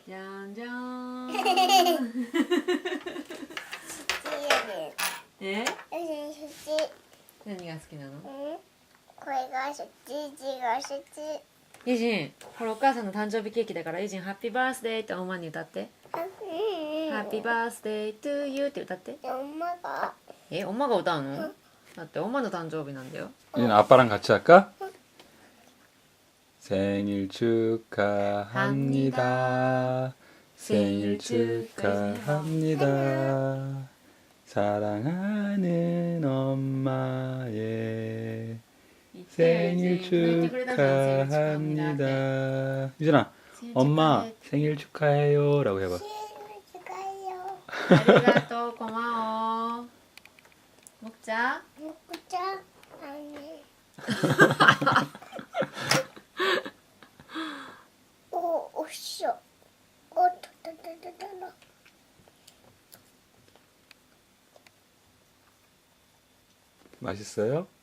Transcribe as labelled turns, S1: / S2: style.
S1: 짠짠. 예?
S2: 휴지.
S1: 何が好きなの？
S2: 응? 거기가 휴지, 지가 휴지.
S1: イジン、ほらお母さんの誕生日ケーキだからイジンハッピーバースデーって엄마に歌って。ハッピーバースデートゥーユーって歌って。
S2: 엄마가.
S1: 엄마가歌うの？だって엄마の誕生日なんだよ。
S3: 이제는 아빠랑 같이 할까? 생일 축하합니다. 생일 축하합니다. 사랑하는 엄마의 생일 축하합니다. 유진아, 엄마 생일 축하해요 라고 해봐.
S2: 생일 축하해요.
S1: ありがとう、こまお。먹자.
S2: 먹자. 아니. 오, 오쇼. 오, 따따따따따.
S3: 맛있어요?